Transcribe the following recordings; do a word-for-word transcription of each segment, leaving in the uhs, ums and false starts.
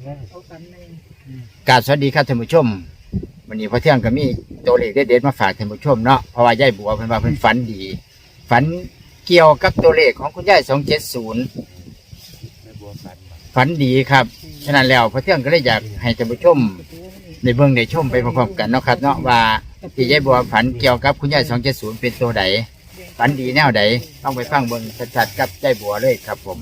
กราบสวัสดีครับท่านผู้ชมวันนี้พอเที่ยงก็มีตัวเลขเด็ดๆมาฝากท่านผู้ชมเนาะเพราะว่ายายบัวเพิ่นว่าเพิ่นฝันดีฝันเกี่ยวกับตัวเลขของคุณยายสองเจ็ดศูนย์ฝันดีครับฉะนั้นแล้วพอเที่ยงก็เลยอยากให้ท่านผู้ชมในเบื้องในชมไปพร้อมๆกันเนาะครับเนาะว่าที่ยายบัวฝันเกี่ยวกับคุณยายสองเจ็ดศูนย์เป็นตัวใดฝันดีแนวใดต้องไปฟังเบิ่งชัดๆกับยายบัวเลยครับผม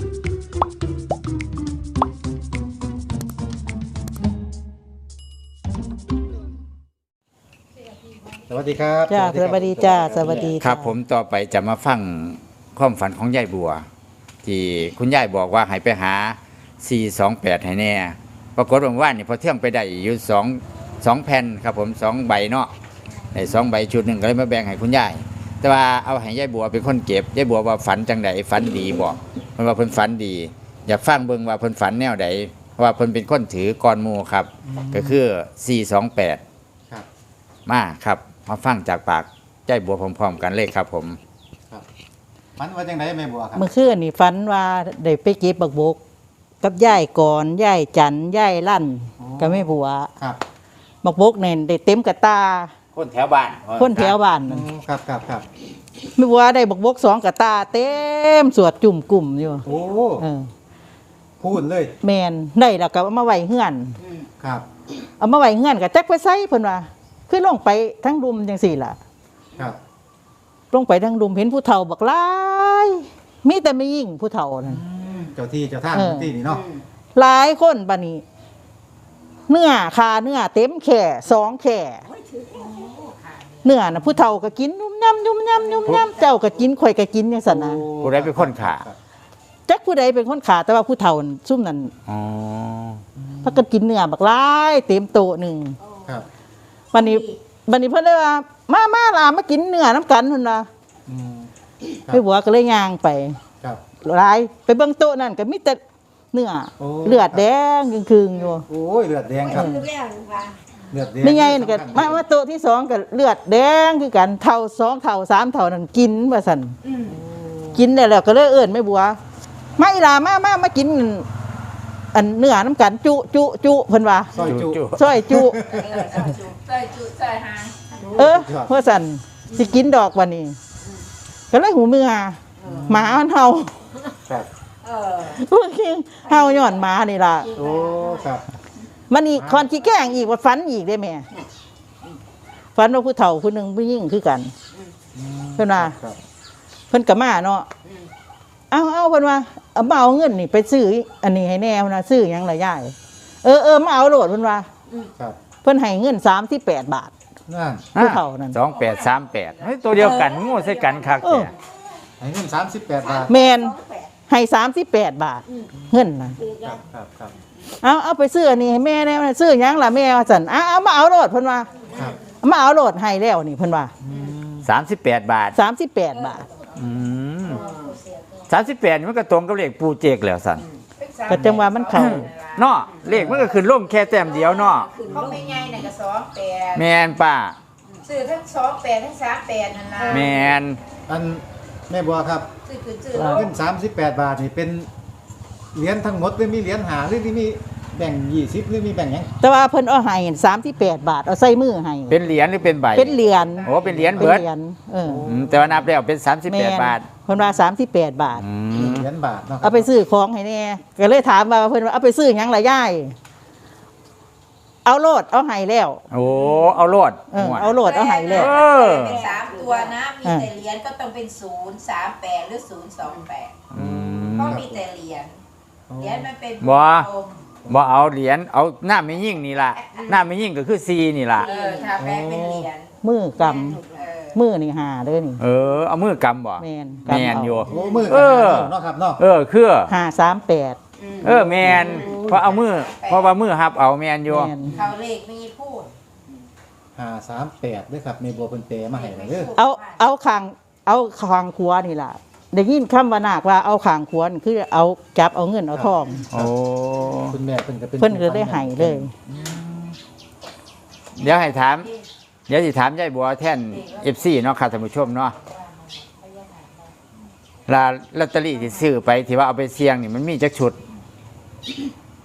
สวัสดีครับจ้าสวัสดีจ้าสวัสดีครับผมต่อไปจะมาฟังความฝันของยายบัวที่คุณยายบอกว่าให้ไปหาสี่สองแปดให้แน่ปรากฏว่านี่พอเที่ยงไปได้อยู่สองสองแผ่นครับผมสองใบเนาะในสองใบชุดหนึ่งก็เลยมาแบ่งให้คุณยายแต่ว่าเอาให้ยายบัวเป็นคนเก็บยายบัวว่าฝันจังใดฝันดีบอกเพิ่นว่าเพิ่นฝันดีอยากฟังเบิ่งว่าเพิ่นฝันแนวใดเพราะว่าเพิ่นเป็นคนถือกรหมู่ครับก็คือสี่สองแปดมาครับมาฟังจากปากยายบัวพร้อมๆกันเลยครับผมครับฝันว่าจังไดแม่บัวครับเมื่อคืนนี่ฝันว่าได้ไปเก็บบักบกกับยายก่อนยายจันยายลั่นกับแม่บัวครับบักบกเนี่ยได้เต็มกระตาคนแถวบ้านคนแถวบ้านครับครับครับแม่บัวได้บักบกสองกระตาเต็มสวดจุ่มกลุ่มอยู่โอ้พูดเลยแมนได้แล้วก็เอามาไว้เฮือนครับเอามาไว้เฮือนกับจักไปใส่เพิ่นว่าคือลงไปทั้งรุมจังสี่ล่ะครับลงไปทั้งรุมเห็นผู้เฒ่าบักหลายมีแต่ไม่ยิ่งผู้เฒ่านั่นเจ้าที่เจ้าทางเจ้าที่นี่เนาะหลายคนบัดนี้เนื้อคาเนื้อเต็มแข่สองแข่เนื้อนะผู้เฒ่าก็กินนุ่มย่ำนุ่มย่ำนุ่มย่ำเจ้าก็กินข่อยก็กินอย่างสันนะผู้ใดเป็นคนขาจักผู้ใดเป็นคนขาแต่ว่าผู้เฒ่าซุ่มนั่นอ๋อพักกันกินเนื้อบักหลายเต็มโต๊ะหนึ่งครับบัดนี้บัดนี้เพิ่นเลยว่ามามาล่ะมากินเนื้อน้ำกันเพิ่นว่าไปบัวก็เลยย่างไปครับหลายไปเบิ่งโต๊ะนั่นก็มีแต่เนื้อเลือดแดงคืงๆอยู่โอ้ยเลือดแดงครับเลือดแดงไม่ไงก็มามาโต๊ะที่สองก็เลือดแดงคือกันเท่าสองเท่าสามเท่านั่นกินว่าซั่นกินได้แล้วก็เลยเอิ้นแม่บัวมาอีหล่ามามามากินอันเนื้อน้ำกันจุจุจุเพิ่นว่าซอยจุซอยจุซอยจุซอยหางเออเพื่อสั่นสิกินดอกวันนี้ก็เลยหูเมื่อหมามันเห่าครับเออพวกนี้เห่าย้อนหมานี่ล่ะโอ้ครับมันนี่คอนขี้แกล้งอีกว่าฝันอีกได้แม่ฝันว่าผู้เฒ่าผู้หนึ่งผู้ยิ่งคือกันเพิ่นว่าเพิ่นกับมาเนาะเอาเอาเพิ่นว่าเอามาเอาเงินนี่ไปซื้ออันนี้ให้แน่นะซื้อยังไรย่ายเออเออมาเอาโหลดเพิ่นว่าเพิ่นให้เงินสามที่แปดบาทผู้เฒ่านั่นสองแปดสามแปดตัวเดียวกันงูใส่กันคักเนี่ยให้เงินสามสิบแปดบาทแมนให้สามสิบแปดบาทเงินนะเอาเอาไปซื้อนี่ให้แม่แน่ซื้อยังล่ะแม่ว่าสันเอาเอามาเอาโหลดเพิ่นว่ามาเอาโหลดให้แล้วนี่เพิ่นว่าสามสิบแปดบาทสามสิบแปดบาทสามสิบแปดมันก็ตรงกับเลขปูเจกแล้วสันก็จังว่ามันเข้าเนาะเลขมันก็ขึ้นลงแค่แต้มเดียวเนาะเขาไม่ง่ายน่ะก็สองแปดแมนป้าซื้อทั้งสองแปดทั้งสามแปดนั่นนะแมนอันแม่บัวครับซื้อขึ้นซื้อเงินสามสิบแปดบาทนี่เป็นเหรียญทั้งหมดหรือมีเหรียญหาหรือที่มีแบ่งยี่สิบหรือมีแบ่งยังแต่ว่าเพิ่นเอาให้สามสิบแปดบาทเอาใส่มือให้เป็นเหรียญหรือเป็นใบเป็นเหรียญโอ้เป็นเหรียญเบิดเออแต่ว่านับแล้วเป็นสามสิบแปดบาทเพิ่นว่าสามสิบแปดบาทเหรียญบาทเนาะเอาไปซื้อของให้แน่ก็เลยถามว่าเพิ่นว่าเอาไปซื้อหยังล่ะยายเอาโลดเอาให้แล้วโอ้เอาโลดเอาโลดเอาให้แล้วเป็นสามตัวนะมีแต่เหรียญก็ต้องเป็นศูนย์สามแปดหรือศูนย์สองแปดเพราะมีแต่เหรียญเหรียญมันเป็นบ่บ่เอาเหรียญเอาหน้าไม่ยิ่งนี่ล่ะหน้าไม่ยิ่งก็คือซีนี่ล่ะเออถ้าแปลเป็นเหรียญมือกำมือนี่หาเลยนี่เออเอามือกำบ่แมนแมนอยู่โอ้มือเออเนาะครับเนาะเออคือหาสามแปดเออแมนเพราะเอามือเพราะว่ามือฮับเอาแมนอยู่เขาเลขมีพูดหาสามแปดด้วยครับในบัวเพิ่นเปมาให้เลยเอาเอาคางเอาคางขวานี่ล่ะได้ยินคำว่านาคว่าเอาขางขวานคือเอาจับเอาเงินเอาทองโอ้คุณแม่เพิ่นก็เป็นเพิ่นก็ได้ให้เลยเดี๋ยวให้ถามเดี๋ยวสิถามยายบัวแท่น เอฟ ซี เนาะค่ะท่านผู้ชมเนาะลาลอตเตอรี่ที่ซื้อไปที่ว่าเอาไปเสี่ยงนี่มันมีจักชุด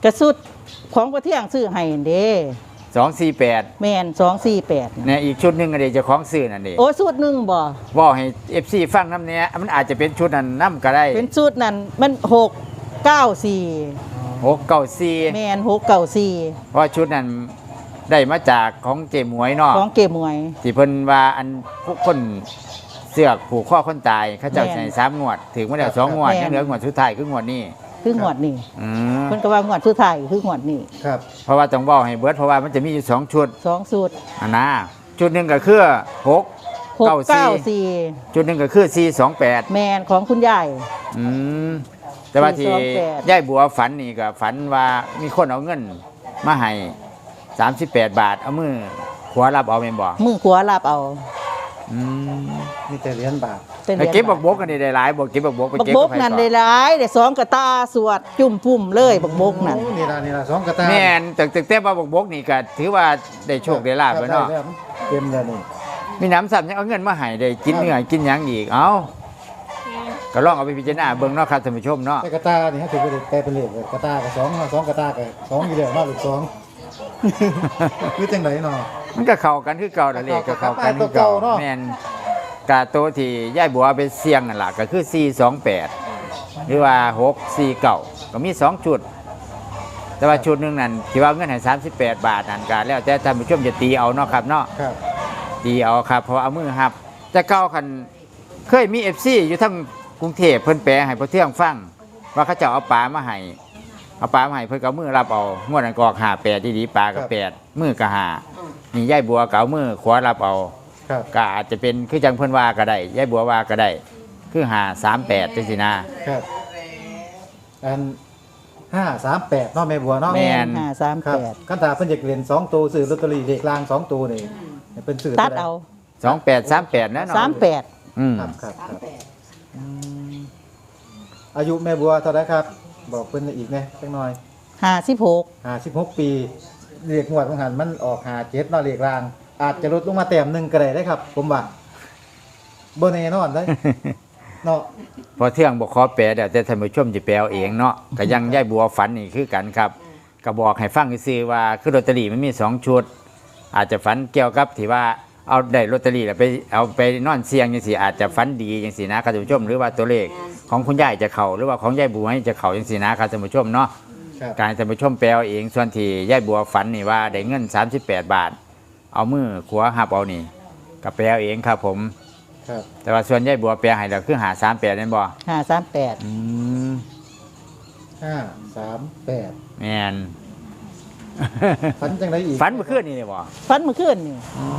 กระสุดของประเที่ยงซื้อให้เด้สองสี่แปดแม่นสองสี่แปดเนี่ยอีกชุดหนึงอันนี้เจะของซื้อนั่นเองโอ้สูตรหนึ่งบ่บอกให้ เอฟ ซี ฟังน้ำเนี้ยมันอาจจะเป็นชุดนั้นน้ำก็ได้เป็นสูตรนั้นมันหกเก้าสี่หกเก้าสี่แม่นหกเก้าสี่เพราะชุดนั้นได้มาจากของเจหมวยเนาะของเกมวยที่เพิ่นว่าอันผู้คนเสือกผูกข้อคนตายเขาเจ้าแม่นใส่สามงวด ถึงมาแล้วสองงวดแม่นยังเหลืองวดสุดท้ายคืองวดนี้คืองวดนี้อืมเพิ่นก็ว่างวดสุดท้ายคืองวดนี้ครับเพราะว่าต้องบอกให้เบิดเพราะว่ามันจะมีอยู่สองชุดสองสูตรอันนะชุดหนึ่งก็คือหกหกเก้าเก้าสี่สี่จุดหนึ่งก็คือสี่สองแปดแมนของคุณยายอืมแต่ว่าที่สี่สองแปดย่ายบัวฝันนี่ก็ฝันว่ามีคนเอาเงินมาให้สามสิบแปดบาท เอามือขวารับเอาเมนบ่มือขวาลาบเอาอืมมีแต่เหรียญบาทเป็นไปเก็บบักบกกันได้หลายบ่เก็บบักบกไปบักเก็บบกนั่นได้หลายได้สองกระตาสวดจุ่มปุ่มเลยบักบกนั่นโอ้นี่ล่ะนี่ล่ะสองกระตาแม่นแต่แต่แต่ว่าบักบกนี่ก็ถือว่าได้โชคได้ลาบไปเนาะได้แล้วเต็มแล้วนี่มีน้ำซ้ำยังเอาเงินมาให้ได้กินเนื้อกินหยังอีกเอ้าก็ลองเอาไปพิจารณาเบิ่งเนาะครับท่านผู้ชมเนาะแต่กระตานี่ฮะถือว่าได้แปลเป็นเลขเลยกระตากับสองเนาะสองกระตากับสองอยู่แล้วเนาะหรือสอง คือจังไดเนาะมันก็เข้ากันคือเก่านั่นแหละก็เข้ากันคือเก่าเก่าเนาะแม่นกาโตวที่ย่ายบัวเอาไปเสี่ยงนั่นล่ะก็คือสี่สองแปดหรือว่าหกสี่เก้าก็มีสองชุด แต่ว่าชุดหนึงนั่นที่ว่าเงินให้สามสิบแปดบาทนั่นก็แล้วแต่ท่านผู้ชมจะตีเอาเนาะครับเนาะครับตีเอาครับเพราะว่าเอามือหับแต่เก่าคันเคยมี เอฟ ซี อยู่ทั้งกรุงเทพเพิ่นแปลให้พอเที่ยงฟังว่าเขาเจะเอาปลามาให้เอาปลามาให้เพิ่นก็เอามือรับเอางวดนั้นก็ออกห้าแปดดีๆปลาก็แปดมือก็ห้านี่ย่ายบัวก็เอามือขวารับเอาครับก็อาจจะเป็นคือจังเพิ่นว่าก็ได้ยายบัวว่าก็ได้ คือหาสามแปดจังซี่นะครับอันห้าสามแปดเนาะแม่บัวเนาะแม่ นห้าสามครัแปบดคันถาเพิ่นอยากเรียนสองตัวซื้อลอตเตอรี่เลขรางสองตัวนี่ให้เพิ่นซื้อตัดเอาสองแปดสามแปดนะเนาะสามแปดอืมครับครับครับอืมอายุแม่บัวเท่าไหร่ครับ บอกเพิ่นอีกแหน่จักหน่อยห้าสิบหกห้าสิบหกปีเลขงวดของหันมันออกห้าเจ็ดเนาะเลขราง อาจจะลดลงมาแต้มหนึงก็ได้เด้ครับ ผมว่าบ่แน่นอนเด้ เนาะพอเที่ยงบอกขอแปลเดี๋ยวแต่ท่านผู้ชมจะแปลเอาเองเนาะก็ยังยายบัวฝันนี่คือกันครับก็บอกให้ฟังซื่อๆว่าคือลอตเตอรี่มันมีสองชุด อาจจะฝันเกี่ยวกับที่ว่าเอาได้ลอตเตอรี่แล้วไปเอาไปนอนเสี่ยงจังซี่อาจจะฝันดีจังซี่นะครับท่านผู้ชมหรือว่าตัวเลขของคุณยายจะเข้าหรือว่าของยายบัวจะเข้าจังซี่นะครับท่านผู้ชมเนาะครับการท่านผู้ชมแปลเอาเองส่วนที่ยายบัวฝันนี่ว่าได้เงินสามสิบแปดบาท เอามือขวาหับเอานี่ก็แปลเอาเองครับผมครับแต่ว่าส่วนยายบัวแปลให้เราคือหาสามแปดนั่นบ่ห้าสามแปดอืมห้าสามแปดแม่นฝันจังไดอีกฝันเมื่อคืนนี่เลยบ่ฟันเมื่อคืนนี่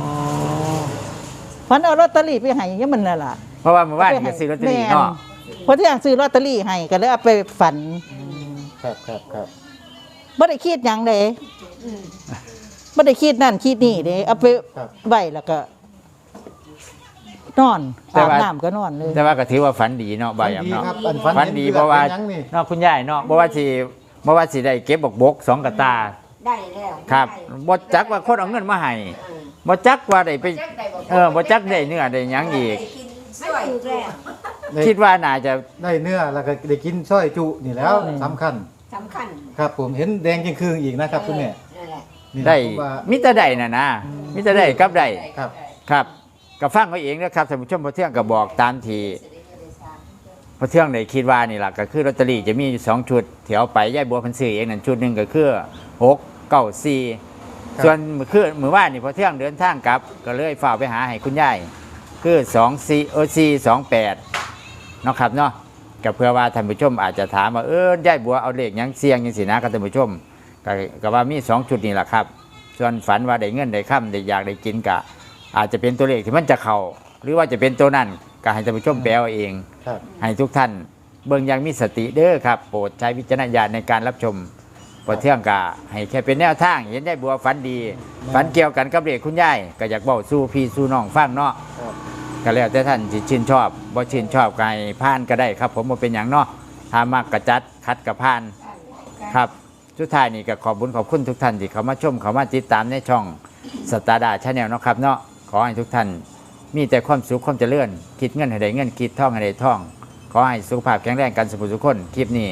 ฟันเอาลอตเตอรี่ไปให้ยังมันน่ะล่ะเพราะว่าเมื่อวานนี่ก็ซื้อลอตเตอรี่เนาะแม่นเพราะที่อยากซื้อลอตเตอรี่ให้ก็เลยเอาไปฝันครับครับครับบ่ได้คิดหยังเด้บ่ได้คิดนั่นคิดนี่เด้เอาไปครับไว้แล้วก็นอนอาบน้ำก็นอนเลยแต่ว่าก็ถือว่าฝันดีเนาะบ่าฝันยามดีเนาะครับอันฝันฝันเห็นดีเลือเพราะว่าป็นหยังนี่เนาะคุณยายเนาะบ่ว่าสิบ่ว่าสิได้เก็บบกบกสองกระตาได้แล้วครับบ่จักว่าคนเอาเงินมาให้บ่จักว่าได้ไปเออบ่จักได้เนื้อได้หยังอีกกินสวยแล้วได้คิดว่าน่าจะได้เนื้อแล้วก็ได้กินสร้อยจุนี่แล้วสำคัญสำคัญครับผมเห็นแดงยิ่งคืงอีกนะครับคุณแม่นั่นแหละนี่นะได้ผมว่ามิแต่ได้น่ะนะมิแต่ได้กับได้ครับครับก็ฟังเอาเองนะครับท่านผู้ชมพอเที่ยงก็บอกตามที่พอเที่ยงได้คิดว่านี่ล่ะก็คือลอตเตอรี่จะมีอยู่สองชุดแถวไปยายบัวเพันซื้อเองนั่นชุดหนึงก็คือหกเก้าสี่ส่วนมื้อคืนมื้อวานนี่พอเที่ยงเดินทางกลับ ก็เลยฝากไปหาให้คุณยายคือสองสี่เออสี่สองแปดเนาะครับเนาะก็เพื่อว่าท่านผู้ชมอาจจะถามว่าเออยายบัวเอาเลขหยังเสียงยังสินะครับท่านผู้ชมก็ก็ว่ามีสองชุดนี่แหละครับ ส่วนฝันว่าได้เงินได้ค่ำได้อยากได้กินกะ อาจจะเป็นตัวเลขที่มันจะเข้าหรือว่าจะเป็นตัวนั้นก็ให้ท่านผู้ชมแปลเอาเองครับให้ทุกท่านเบิ่งอยังมีสติเด้อครับ โปรดใช้วิจารณญาณในการรับชมพอเที่ยงกะให้แค่เป็นแนวทาง เห็นได้บัวฝันดี ฝันเกี่ยวกันกับเลขคุณยายก็อยากบอกสู้พี่สู้น้องฟังเนาะครับก็แล้วแต่ท่านที่ชื่นชอบบ่ชื่นชอบก็ให้ผ่านก็ได้ครับ ผมบ่เป็นอย่างเนาะถ้ามากกระจัดคัดกระผ่านครับสุดท้ายนี่ก็ขอบคุญขอบคุณทุกท่านที่เขามาชมเขามาติดตามในช่องสตาร์ดาชาแนลเนาะครับเนาะขอให้ทุกท่านมีแต่ความสุขความเจริญคิดเงินให้ได้เงินคิดท่องให้ได้ท่อง ขอให้สุขภาพแข็งแรงกันสุขสุขคนคลิปนี้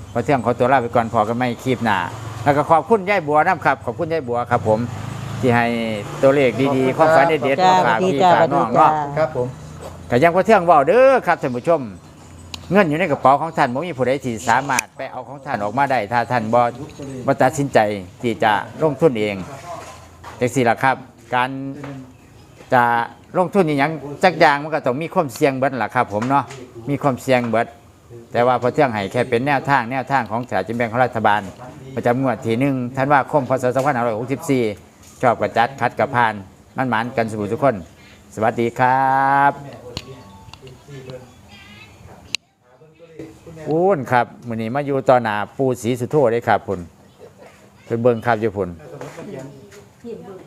พอเที่ยงขอตัวลาไปก่อนพอกันไม่คลิปหน้าแล้วก็ขอบคุณยายบัวนะครับขอบคุณยายบัวครับผมที่ให้ตัวเลขดีๆความฝันเด็ดๆจ้ามาสวัฝากสดีพี่จ้าฝากสวัสน้ดีองจ้าเนาะครับผมก็ยังพอเที่ยงเว้าเด้อครับท่านผู้ชม เงินอยู่ในกระเป๋าของท่านบ่มีผู้ใดที่สามารถไปเอาของท่านออกมาได้ถ้าท่านบ่บ่ตัดสินใจที่จะลงทุนเองจังซี่ล่ะครับ การจะลงทุนอหยังจักอย่างมันก็ต้องมีความเสี่ยงเบิดล่ะครับ ผมเนาะมีความเสี่ยงเบิดแต่ว่าพอเที่ยงให้แค่เป็นแนวทางแนวทางของสลากกินแบ่งของรัฐบาล ประจำงวดที่หนึ่งธันวาคมพศสองพันห้าร้อยหกสิบสี่ชอบกระจัดคัดกระพานมันหมานกันสบู่ทุกคน สวัสดีครับอูนครับมื้อนี้มาอยู่ต่อหน้าปู่ศรีสุโธได้ครับพุ่นเป็นเบิ่งครับอยู่พุ่นทีมดู